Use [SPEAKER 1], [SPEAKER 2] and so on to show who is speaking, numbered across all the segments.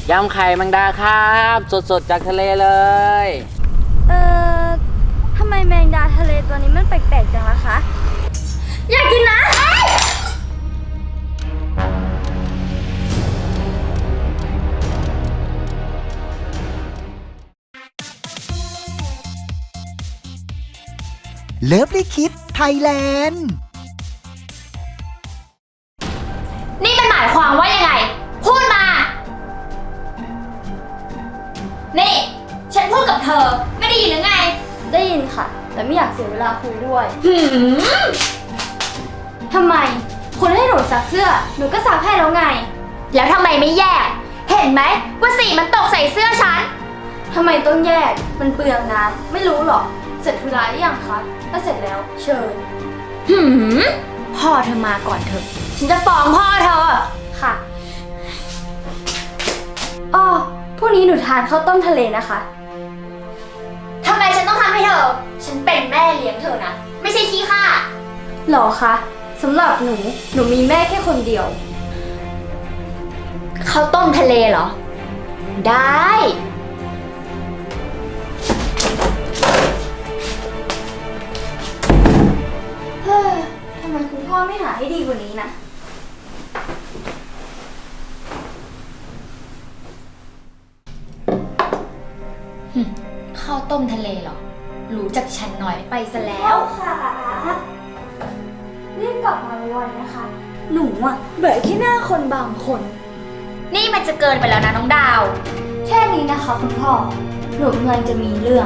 [SPEAKER 1] ยำไข่แมงดาครับสดๆจากทะเลเลย
[SPEAKER 2] เอ่อทำไมแมงดาทะเลตัวนี้มันแปลกๆจังล่ะคะ อยากกินนะ
[SPEAKER 3] เลิฟลิคิดไทยแลนด์
[SPEAKER 4] นี่มันหมายความว่ายังไง พูดมา นี่ ฉันพูดกับเธอ ไม่ได้ยินหรือไง
[SPEAKER 2] ได้ยินค่ะ แต่ไม่อยากเสียเวลาคุยด้วย
[SPEAKER 4] หืม
[SPEAKER 2] ทำไม คุณให้หนูซักเสื้อ หนูก็ซักให้แล้วไง
[SPEAKER 4] แล้วทำไมไม่แยก เห็นไหมว่าสีมันตกใส่เสื้อฉัน
[SPEAKER 2] ทำไมต้องแยก มันเปลืองน้ำ ไม่รู้หรอก เสร็จธุระหรือยังคะถ้าเสร็จแล้ว เชิญ
[SPEAKER 4] หืม พ่อเธอมาก่อนเถอะ ฉันจะฟ้องพ่อเธอ
[SPEAKER 2] ค่ะอ้อพรุ่งนี้หนูทานข้าวต้มทะเลนะคะ
[SPEAKER 4] ทำไมฉันต้องทำให้เธอ ฉันเป็นแม่เลี้ยงเธอนะ ไม่ใช่ขี้ข้า
[SPEAKER 2] หรอคะสำหรับหนูมีแม่แค่คนเดียว
[SPEAKER 4] ข้าวต้มทะเลเหรอ ได้
[SPEAKER 2] เฮ้ยทำไมคุณพ่อไม่หาให้ดีกว่านี้นะ
[SPEAKER 4] ข้าวต้มทะเลเหรอ รู้จักฉันหน่อยไปซะแล้
[SPEAKER 2] แล้ว วค่ะรีบกลับมาไวๆนะคะ หนูอะเบื่อแค่หน้าคนบางคน
[SPEAKER 4] นี่มันจะเกินไปแล้วนะน้องดาว
[SPEAKER 2] แค่นี้นะคะคุณพ่อ หนูกำลังจะมีเรื่อง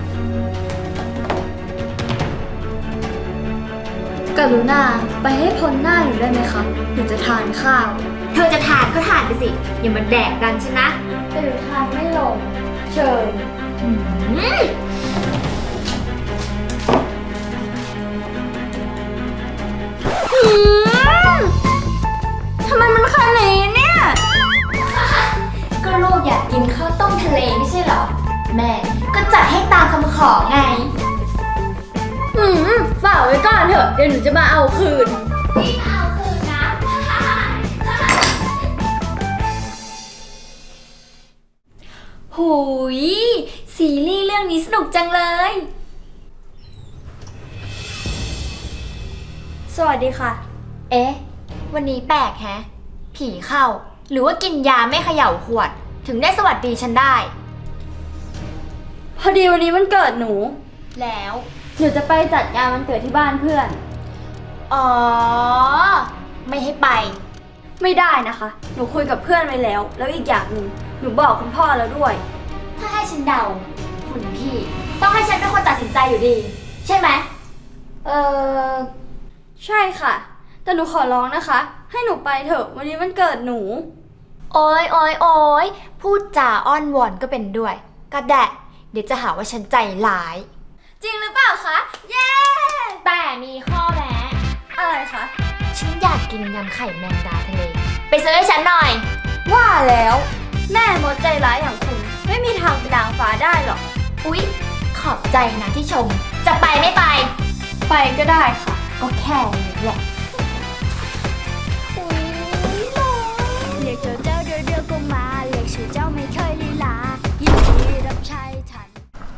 [SPEAKER 2] กรุณาไปให้พ้นหน้าหนูได้ไหมคะ หนูจะทานข้าว
[SPEAKER 4] เธอจะทานก็ทานไปสิ อย่ามาแดกกันใช่ไหม
[SPEAKER 2] แต่หนูทานไม่ลง เชิญ ทำไมมันขนาดนี้เนี่ย
[SPEAKER 4] ก็ลูกอยากกินข้าวต้มทะเลไม่ใช่เหรอ แม่ก็จัดให้ตามคำขอไง
[SPEAKER 2] ฝากไว้ก่อนเถอะ เดี๋ยวหนูจะมาเอาคืน
[SPEAKER 4] พี่มาเอาคืนนะ หูยซีรีส์เรื่องนี้สนุกจังเลย
[SPEAKER 2] สวัสดีค่ะ
[SPEAKER 4] เอ๊ะ วันนี้แปลกแฮะ ผีเข้า หรือว่ากินยาไม่เขย่าขวด ถึงได้สวัสดีฉันได้
[SPEAKER 2] พอดีวันนี้มันเกิดหนู
[SPEAKER 4] แล้ว
[SPEAKER 2] หนูจะไปจัดงานวันเกิดที่บ้านเพื่อน
[SPEAKER 4] อ๋อ ไม่ให้ไป
[SPEAKER 2] ไม่ได้นะคะ หนูคุยกับเพื่อนไว้แล้ว แล้วอีกอย่างหนึ่งหนูบอกคุณพ่อแล้วด้วย
[SPEAKER 4] ถ้าให้ฉันเดา คุณพี่ต้องให้ฉันเป็นคนตัดสินใจอยู่ดี ใช่ไหม
[SPEAKER 2] เออใช่ค่ะ แต่หนูขอร้องนะคะ ให้หนูไปเถอะ วันนี้มันเกิดหนู
[SPEAKER 4] โอ้ยโอ้ยโอ้ยพูดจาอ้อนวอนก็เป็นด้วย ก็แดะ เดี๋ยวจะหาว่าฉันใจร้าย
[SPEAKER 2] จริงหรือเปล่าคะ เย้
[SPEAKER 4] แต่มีข้อแม้
[SPEAKER 2] อะไรคะ
[SPEAKER 4] ฉันอยากกินยำไข่แมงดาทะเล ไปซื้อให้ฉันหน่อย
[SPEAKER 2] ว่าแล้ว แม่มดใจร้ายอย่างคุณ ไม่มีทางเป็นนางฟ้าได้หรอก
[SPEAKER 4] อุ๊ย ขอบใจนะที่ชม จะไปไม่ไป
[SPEAKER 2] ไปก็ได้ค่ะ
[SPEAKER 4] ก็แค่นี้แหละ
[SPEAKER 2] เรียกเจ้าเดียวก็มาเรียกชื่อเจ้าไม่เคยลีลายินดีรับใช้ฉัน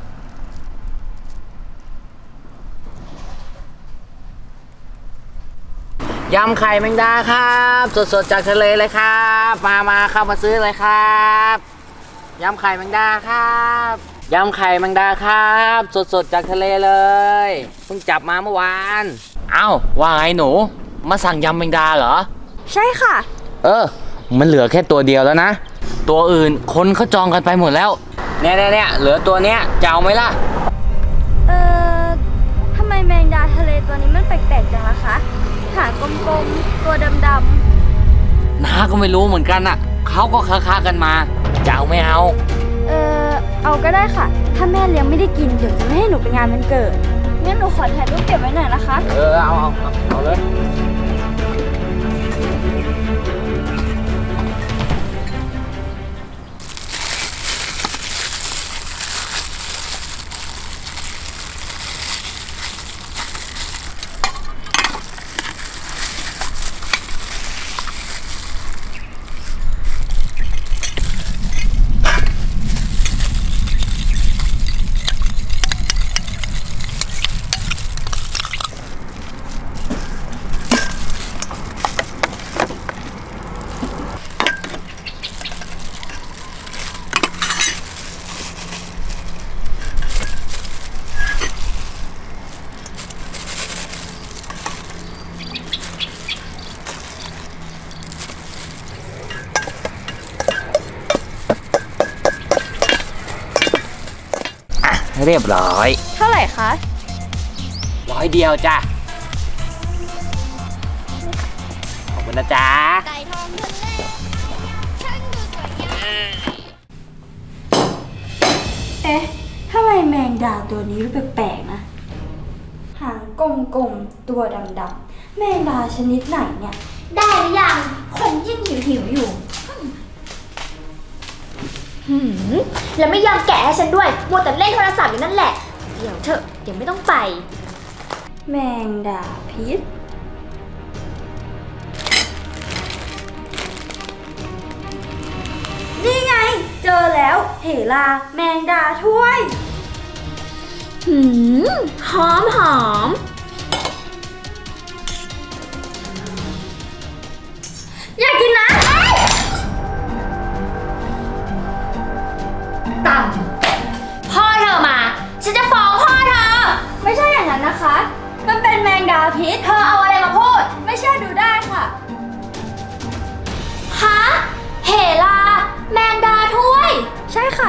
[SPEAKER 1] ยำไข่แมงดาครับสดๆจากทะเลเลยครับมาเข้ามาซื้อเลยครับยำไข่แมงดาครับยำไข่แมงดาครับสดๆจากทะเลเลยเพิ่งจับมาเมื่อวานเอ้าว่าไงหนูมาสั่งยำแมงดาเหรอ
[SPEAKER 2] ใช่ค่ะ
[SPEAKER 1] มันเหลือแค่ตัวเดียวแล้วนะตัวอื่นคนเขาจองกันไปหมดแล้วเนี่ยเหลือตัวเนี้ยจะเอาไหมล่ะ
[SPEAKER 2] ทำไมแมงดาทะเลตัวนี้มันแปลกๆจังล่ะคะ หางกลมๆ ตัวดำ
[SPEAKER 1] น้าก็ไม่รู้เหมือนกันอ่ะเขาก็ค้ากันมาจะเอาไม่เอา
[SPEAKER 2] ๆ เอาก็ได้ค่ะ ถ้าแม่เลี้ยงไม่ได้กิน เดี๋ยวจะไม่ให้หนูไปงานวันเกิด งั้นหนูขอถ่ายรูปเก็บไว้หน่อยนะคะ
[SPEAKER 1] เอาเลยเรียบร้อย
[SPEAKER 4] เท่าไหร่คะ
[SPEAKER 1] 100 เดียวจ้ะ ขอบคุณนะจ๊ะ
[SPEAKER 2] ไก่ทองทะเลช่างดูสวยงาม
[SPEAKER 5] เอ๊ะทำไมแมงดาตัวนี้ดูแปลกๆนะ หางกลมๆ ตัวดำๆ แมงดาชนิดไหนเนี่ย
[SPEAKER 4] ได้หรือยัง คนยิ่งหิวอยู่แล้วไม่ยอมแกะให้ฉันด้วยมัวแต่เล่นโทรศัพท์อยู่นั่นแหละ เดี๋ยวเถอะ เดี๋ยวไม่ต้องไป
[SPEAKER 5] แมงดาพิษ นี่ไง เจอแล้วเหลาแมงดาถ้วย
[SPEAKER 4] หอมหอม อยากกินนะต่ำพ่อเธอมา ฉันจะฟ้องพ่อเธอ
[SPEAKER 5] ไม่ใช่อย่างนั้นนะคะ มันเป็นแมงดาพิษ
[SPEAKER 4] เธอเอาอะไรมาพูด
[SPEAKER 5] ไม่เชื่อดูได้ค่ะ
[SPEAKER 4] ฮะ เหลา แมงดาถ้วย
[SPEAKER 5] ใช่ค่ะ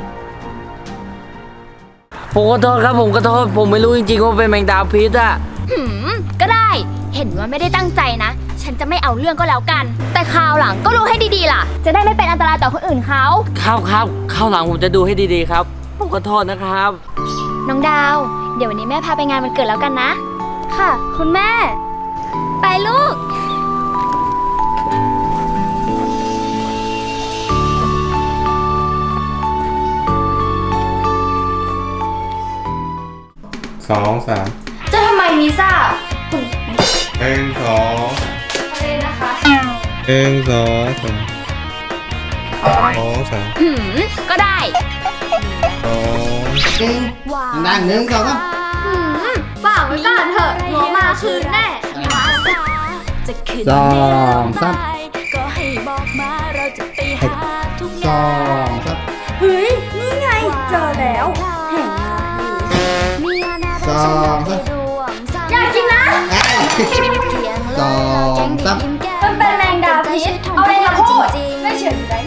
[SPEAKER 1] ผมขอโทษครับผมขอโทษผมไม่รู้จริงๆว่าเป็นแมงดาพิษอะ
[SPEAKER 4] ก็ได้ เห็นว่าไม่ได้ตั้งใจนะ ฉันจะไม่เอาเรื่องก็แล้วกัน แต่คราวหลังก็รู้ให้ดีๆล่ะ จะได้ไม่เป็นอันตรายต่อคนอื่นเขา
[SPEAKER 1] ครับข้าวหลังผมจะดูให้ดีๆครับ ผมขอโทษนะครับ
[SPEAKER 4] น้องดาว เดี๋ยววันนี้แม่พาไปงานวันเกิดแล้วกันนะ
[SPEAKER 5] ค่ะ คุณแม่
[SPEAKER 4] ไปลูก
[SPEAKER 6] 2 3
[SPEAKER 5] จะทำไมวีซ่า
[SPEAKER 6] 1 2
[SPEAKER 5] อะไรนะคะ
[SPEAKER 6] 1 2 3 2 3
[SPEAKER 4] ก็ได้
[SPEAKER 6] 2
[SPEAKER 1] นั่ง1 2 3
[SPEAKER 5] ฝากไว้ก่อนเถอะหัวมาคืนแน่
[SPEAKER 2] จะขึ้น
[SPEAKER 6] สอง
[SPEAKER 2] ไม่ลง
[SPEAKER 6] สาม
[SPEAKER 2] ไปก็ให้บอกมาเราจะไปหาทุกอ
[SPEAKER 6] 2
[SPEAKER 2] ย่าง
[SPEAKER 6] 3
[SPEAKER 5] เฮ้ย นี่ไง เจอแล้วเห็นมาอยู่
[SPEAKER 2] มีอนาคต
[SPEAKER 6] สอง
[SPEAKER 2] ฉันอยากไปร่วมสร้าง
[SPEAKER 5] อยากกินนะ
[SPEAKER 2] เพียง
[SPEAKER 6] สองสาม
[SPEAKER 5] มันเป็นแมงดาพิษ เอาอะไรมาพูด ไม่เชื่อดูได้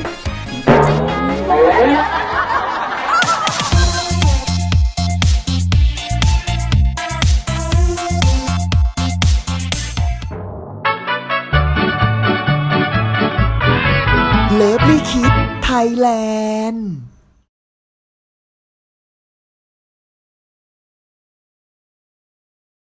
[SPEAKER 3] เลิฟลี่คิดไทยแลนด์